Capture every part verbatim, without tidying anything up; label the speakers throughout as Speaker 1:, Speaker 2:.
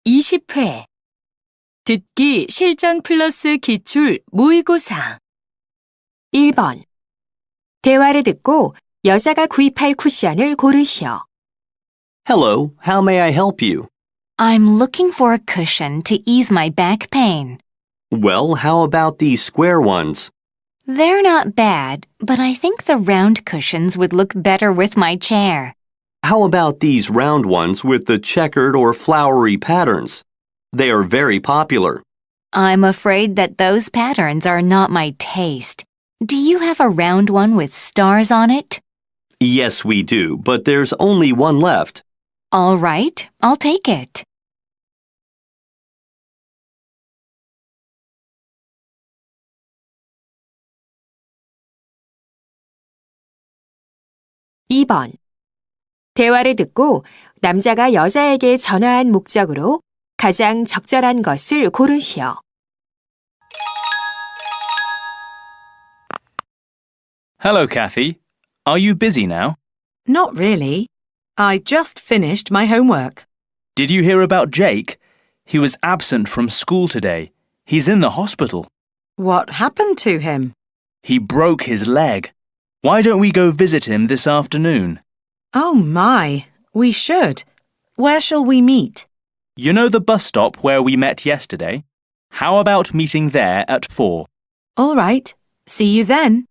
Speaker 1: 이십 회 듣기 실전 플러스 기출 모의고사 일 번 대화를 듣고 여자가 구입할 쿠션을 고르시오.
Speaker 2: Hello, how may I help you?
Speaker 3: I'm looking for a cushion to ease my back pain.
Speaker 2: Well, how about these square ones?
Speaker 3: They're not bad, but I think the round cushions would look better with my chair.
Speaker 2: How about these round ones with the checkered or flowery patterns? They are very popular.
Speaker 3: I'm afraid that those patterns are not my taste. Do you have a round one with stars on it?
Speaker 2: Yes, we do, but there's only one left.
Speaker 3: All right, I'll take it.
Speaker 1: 이 번 대화를 듣고 남자가 여자에게 전화한 목적으로 가장 적절한 것을 고르시오.
Speaker 4: Hello, Kathy. Are you busy now?
Speaker 5: Not really. I just finished my homework.
Speaker 4: Did you hear about Jake? He was absent from school today. He's in the hospital.
Speaker 5: What happened to him?
Speaker 4: He broke his leg. Why don't we go visit him this afternoon?
Speaker 5: Oh my, we should. Where shall we meet?
Speaker 4: You know the bus stop where we met yesterday? How about meeting there at four?
Speaker 5: All right. See you then.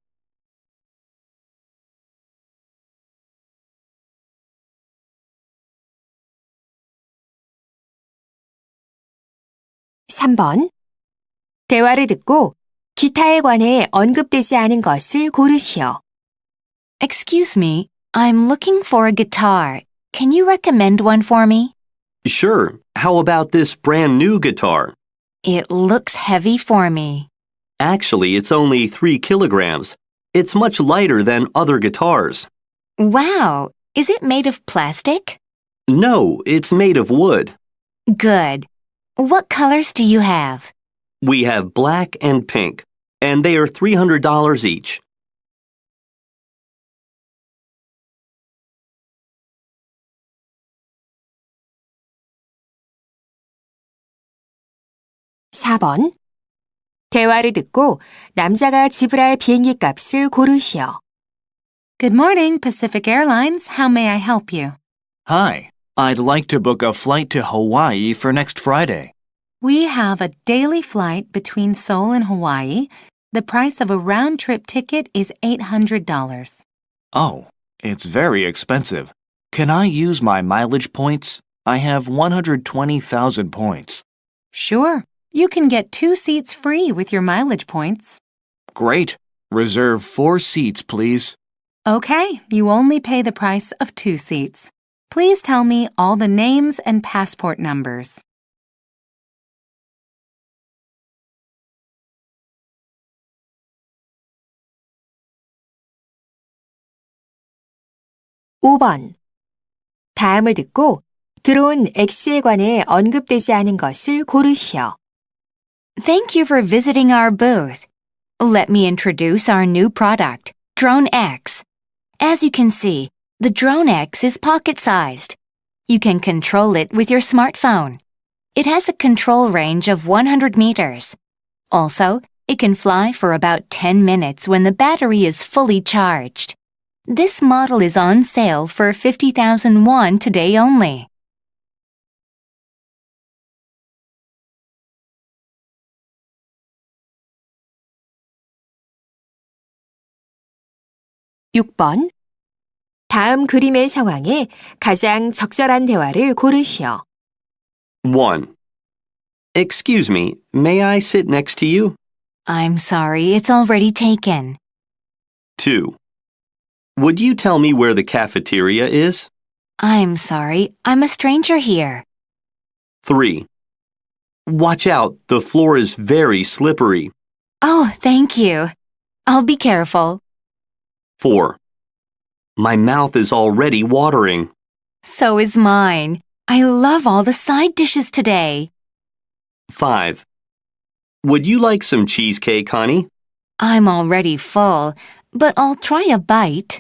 Speaker 1: 삼 번 대화를 듣고 기타에 관해 언급되지 않은 것을 고르시오.
Speaker 3: Excuse me, I'm looking for a guitar. Can you recommend one for me?
Speaker 2: Sure, how about this brand new guitar?
Speaker 3: It looks heavy for me.
Speaker 2: Actually, it's only three kilograms. It's much lighter than other guitars.
Speaker 3: Wow, is it made of plastic?
Speaker 2: No, it's made of wood.
Speaker 3: Good. What colors do you have?
Speaker 2: We have black and pink, and they are three hundred dollars each.
Speaker 1: 사 번 대화를 듣고 남자가 지불할 비행기 값을 고르시오.
Speaker 6: Good morning, Pacific Airlines. How may I help you?
Speaker 4: Hi. I'd like to book a flight to Hawaii for next Friday.
Speaker 6: We have a daily flight between Seoul and Hawaii. The price of a round-trip ticket is eight hundred dollars.
Speaker 4: Oh, it's very expensive. Can I use my mileage points? I have one hundred twenty thousand points.
Speaker 6: Sure, you can get two seats free with your mileage points.
Speaker 4: Great. Reserve four seats, please.
Speaker 6: Okay, you only pay the price of two seats. Please tell me all the names and passport numbers.
Speaker 1: 오 번 다음을 듣고 들어온 X에 관해 언급되지 않은 것을 고르시오.
Speaker 3: Thank you for visiting our booth. Let me introduce our new product, Drone X. As you can see, the Drone X is pocket-sized. You can control it with your smartphone. It has a control range of one hundred meters. Also, it can fly for about ten minutes when the battery is fully charged. This model is on sale for fifty thousand won today only.
Speaker 1: 육 번 다음 그림의 상황에 가장 적절한 대화를 고르시오.
Speaker 2: one. Excuse me, may I sit next to you?
Speaker 3: I'm sorry, it's already taken.
Speaker 2: two. Would you tell me where the cafeteria is?
Speaker 3: I'm sorry, I'm a stranger here.
Speaker 2: three. Watch out, the floor is very slippery.
Speaker 3: Oh, thank you. I'll be careful.
Speaker 2: four. My mouth is already watering.
Speaker 3: So is mine. I love all the side dishes today.
Speaker 2: five. Would you like some cheesecake, honey?
Speaker 3: I'm already full, but I'll try a bite.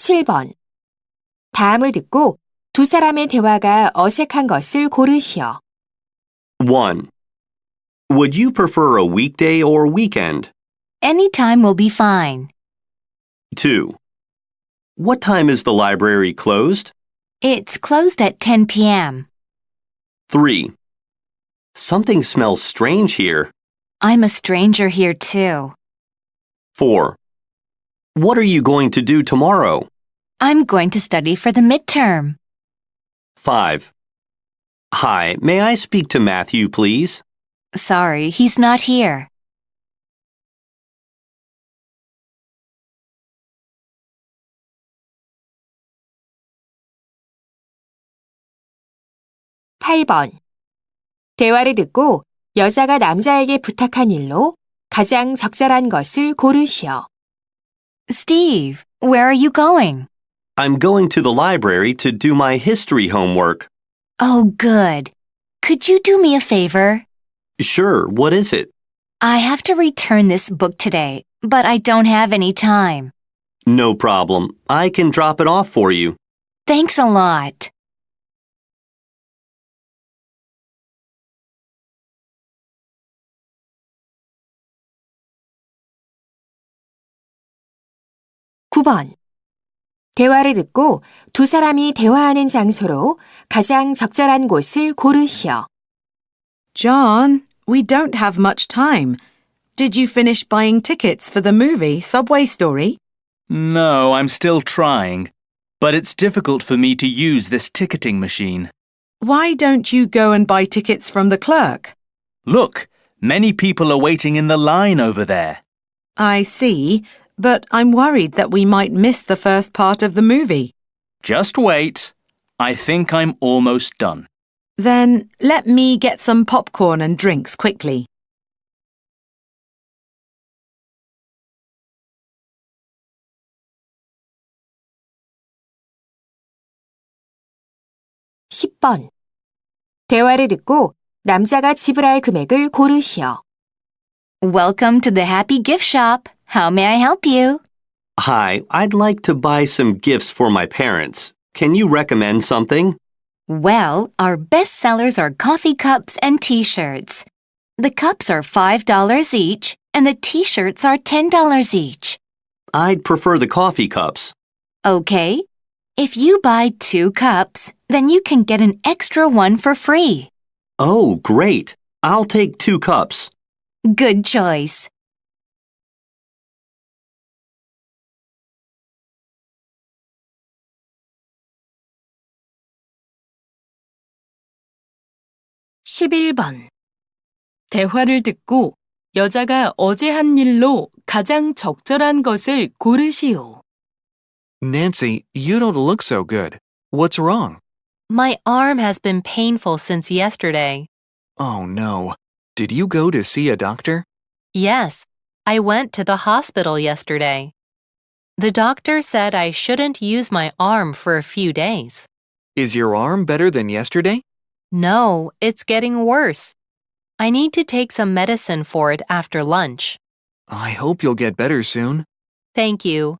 Speaker 1: 칠 번. 다음을 듣고 두 사람의 대화가 어색한 것을 고르시오.
Speaker 2: one. Would you prefer a weekday or weekend?
Speaker 3: Anytime will be fine.
Speaker 2: two. What time is the library closed?
Speaker 3: It's closed at ten p.m.
Speaker 2: three. Something smells strange here.
Speaker 3: I'm a stranger here too.
Speaker 2: four. What are you going to do tomorrow?
Speaker 3: I'm going to study for the midterm.
Speaker 2: five. Hi, may I speak to Matthew, please?
Speaker 3: Sorry, he's not here.
Speaker 1: 팔 번. 대화를 듣고 여자가 남자에게 부탁한 일로 가장 적절한 것을 고르시오.
Speaker 3: Steve, where are you going?
Speaker 2: I'm going to the library to do my history homework.
Speaker 3: Oh, good. Could you do me a favor?
Speaker 2: Sure, what is it?
Speaker 3: I have to return this book today, but I don't have any time.
Speaker 2: No problem. I can drop it off for you.
Speaker 3: Thanks a lot.
Speaker 1: 구 번. 대화를 듣고 두 사람이 대화하는 장소로 가장 적절한 곳을 고르시오.
Speaker 5: John, we don't have much time. Did you finish buying tickets for the movie Subway Story?
Speaker 4: No, I'm still trying. But it's difficult for me to use this ticketing machine.
Speaker 5: Why don't you go and buy tickets from the clerk?
Speaker 4: Look, many people are waiting in the line over there.
Speaker 5: I see, but I'm worried that we might miss the first part of the movie.
Speaker 4: Just wait. I think I'm almost done.
Speaker 5: Then let me get some popcorn and drinks quickly.
Speaker 1: 십 번. 대화를 듣고 남자가 지불할 금액을 고르시오.
Speaker 3: Welcome to the Happy Gift Shop. How may I help you?
Speaker 2: Hi, I'd like to buy some gifts for my parents. Can you recommend something?
Speaker 3: Well, our best sellers are coffee cups and t-shirts. The cups are five dollars each, and the t-shirts are ten dollars each.
Speaker 2: I'd prefer the coffee cups.
Speaker 3: Okay. If you buy two cups, then you can get an extra one for free.
Speaker 2: Oh, great. I'll take two cups.
Speaker 3: Good choice.
Speaker 1: 십일 번. 대화를 듣고 여자가 어제 한 일로 가장 적절한 것을 고르시오.
Speaker 4: Nancy, you don't look so good. What's wrong?
Speaker 6: My arm has been painful since yesterday.
Speaker 4: Oh no. Did you go to see a doctor?
Speaker 6: Yes, I went to the hospital yesterday. The doctor said I shouldn't use my arm for a few days.
Speaker 4: Is your arm better than yesterday?
Speaker 6: No, it's getting worse. I need to take some medicine for it after lunch.
Speaker 4: I hope you'll get better soon.
Speaker 6: Thank you.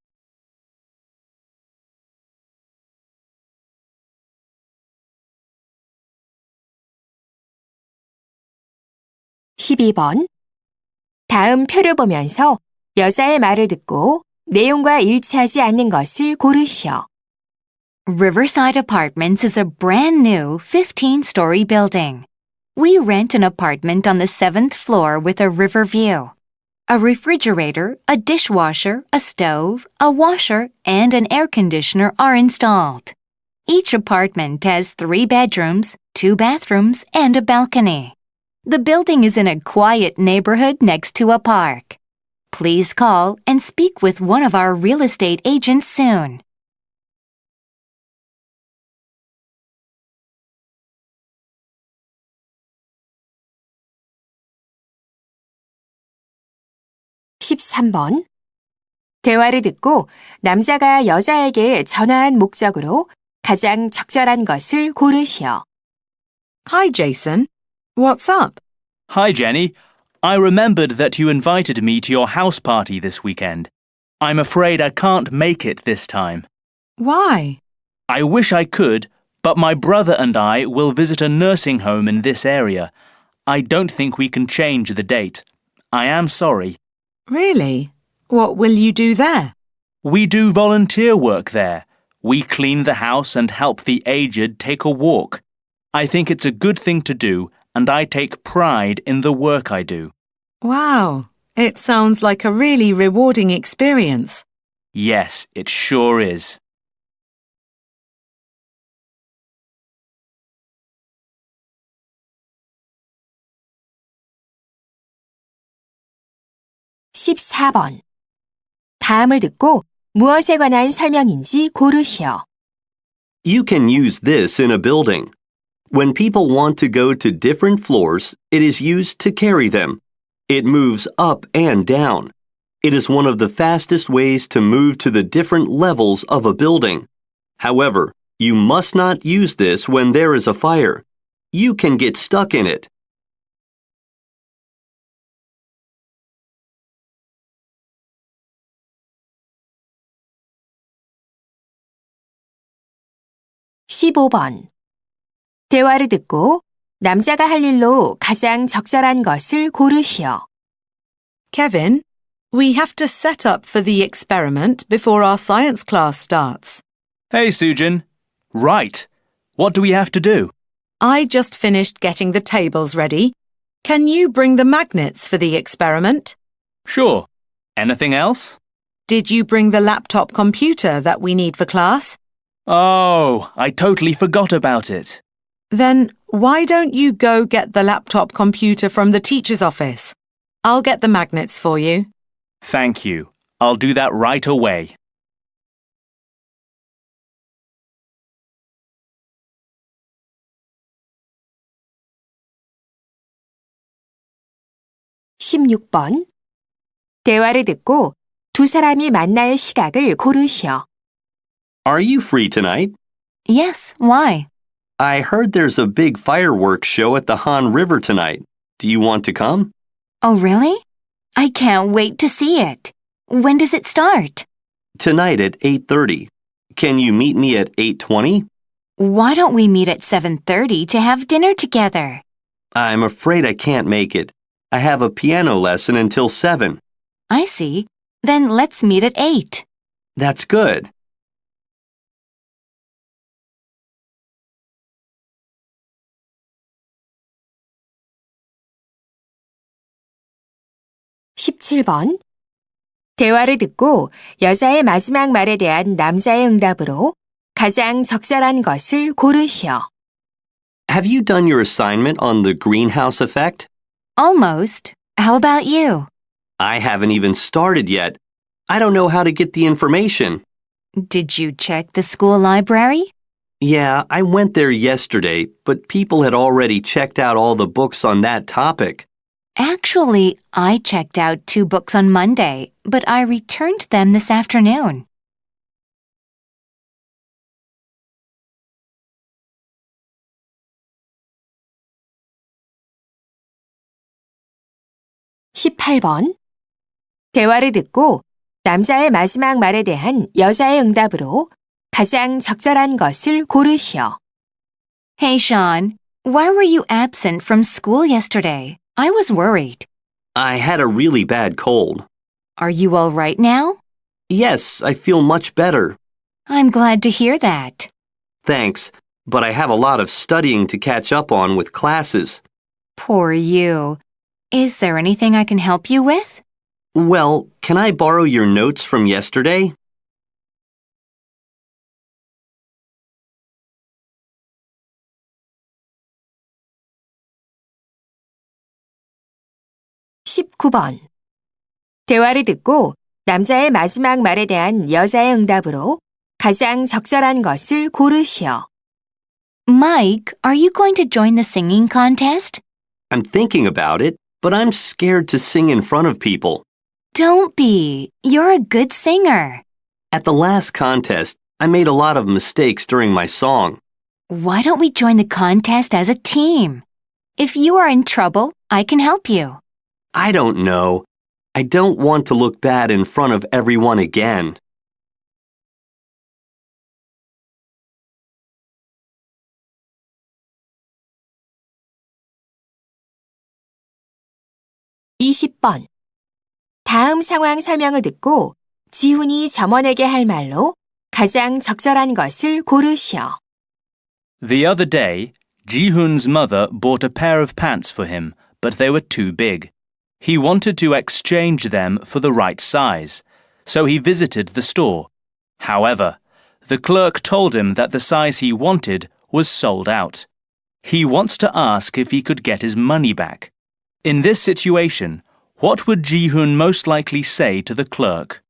Speaker 1: 십이 번. 다음 표를 보면서 여자의 말을 듣고 내용과 일치하지 않는 것을 고르시오.
Speaker 3: Riverside Apartments is a brand new fifteen-story building. We rent an apartment on the seventh floor with a river view. A refrigerator, a dishwasher, a stove, a washer, and an air conditioner are installed. Each apartment has three bedrooms, two bathrooms, and a balcony. The building is in a quiet neighborhood next to a park. Please call and speak with one of our real estate agents soon.
Speaker 1: 십삼 번. 대화를 듣고 남자가 여자에게 전화한 목적으로 가장 적절한 것을 고르시오.
Speaker 5: Hi, Jason. What's up?
Speaker 4: Hi, Jenny. I remembered that you invited me to your house party this weekend. I'm afraid I can't make it this time.
Speaker 5: Why?
Speaker 4: I wish I could, but my brother and I will visit a nursing home in this area. I don't think we can change the date. I am sorry.
Speaker 5: Really? What will you do there?
Speaker 4: We do volunteer work there. We clean the house and help the aged take a walk. I think it's a good thing to do, and I take pride in the work I do.
Speaker 5: Wow, it sounds like a really rewarding experience.
Speaker 4: Yes, it sure is.
Speaker 1: 십사 번. 다음을 듣고 무엇에 관한 설명인지 고르시오.
Speaker 2: You can use this in a building. When people want to go to different floors, it is used to carry them. It moves up and down. It is one of the fastest ways to move to the different levels of a building. However, you must not use this when there is a fire. You can get stuck in it.
Speaker 1: 십오 번. 대화를 듣고 남자가 할 일로 가장 적절한 것을 고르시오.
Speaker 5: Kevin, we have to set up for the experiment before our science class starts.
Speaker 4: Hey, Sujin. Right. What do we have to do?
Speaker 5: I just finished getting the tables ready. Can you bring the magnets for the experiment?
Speaker 4: Sure. Anything else?
Speaker 5: Did you bring the laptop computer that we need for class?
Speaker 4: Oh, I totally forgot about it.
Speaker 5: Then why don't you go get the laptop computer from the teacher's office? I'll get the magnets for you.
Speaker 4: Thank you. I'll do that right away.
Speaker 1: 십육 번. 대화를 듣고 두 사람이 만날 시각을 고르시오.
Speaker 2: Are you free tonight?
Speaker 3: Yes, why?
Speaker 2: I heard there's a big fireworks show at the Han River tonight. Do you want to come?
Speaker 3: Oh, really? I can't wait to see it. When does it start?
Speaker 2: Tonight at eight thirty. Can you meet me at eight twenty?
Speaker 3: Why don't we meet at seven thirty to have dinner together?
Speaker 2: I'm afraid I can't make it. I have a piano lesson until seven.
Speaker 3: I see. Then let's meet at eight.
Speaker 2: That's good.
Speaker 1: 십칠 번. 대화를 듣고 여자의 마지막 말에 대한 남자의 응답으로 가장 적절한 것을 고르시오.
Speaker 2: Have you done your assignment on the greenhouse effect?
Speaker 3: Almost. How about you?
Speaker 2: I haven't even started yet. I don't know how to get the information.
Speaker 3: Did you check the school library?
Speaker 2: Yeah, I went there yesterday, but people had already checked out all the books on that topic.
Speaker 3: Actually, I checked out two books on Monday, but I returned them this afternoon.
Speaker 1: 십팔 번. 대화를 듣고 남자의 마지막 말에 대한 여자의 응답으로 가장 적절한 것을 고르시오.
Speaker 3: Hey, Sean, why were you absent from school yesterday? I was worried.
Speaker 2: I had a really bad cold.
Speaker 3: Are you all right now?
Speaker 2: Yes, I feel much better.
Speaker 3: I'm glad to hear that.
Speaker 2: Thanks, but I have a lot of studying to catch up on with classes.
Speaker 3: Poor you. Is there anything I can help you with?
Speaker 2: Well, can I borrow your notes from yesterday?
Speaker 1: 십구 번. 대화를 듣고 남자의 마지막 말에 대한 여자의 응답으로 가장 적절한 것을 고르시오.
Speaker 3: Mike, are you going to join the singing contest?
Speaker 2: I'm thinking about it, but I'm scared to sing in front of people.
Speaker 3: Don't be. You're a good singer.
Speaker 2: At the last contest, I made a lot of mistakes during my song.
Speaker 3: Why don't we join the contest as a team? If you are in trouble, I can help you.
Speaker 2: I don't know. I don't want to look bad in front of everyone again.
Speaker 1: 이십 번. 다음 상황 설명을 듣고 지훈이 점원에게 할 말로 가장 적절한 것을 고르시오.
Speaker 4: The other day, Ji-hoon's mother bought a pair of pants for him, but they were too big. He wanted to exchange them for the right size, so he visited the store. However, the clerk told him that the size he wanted was sold out. He wants to ask if he could get his money back. In this situation, what would Ji-hoon most likely say to the clerk?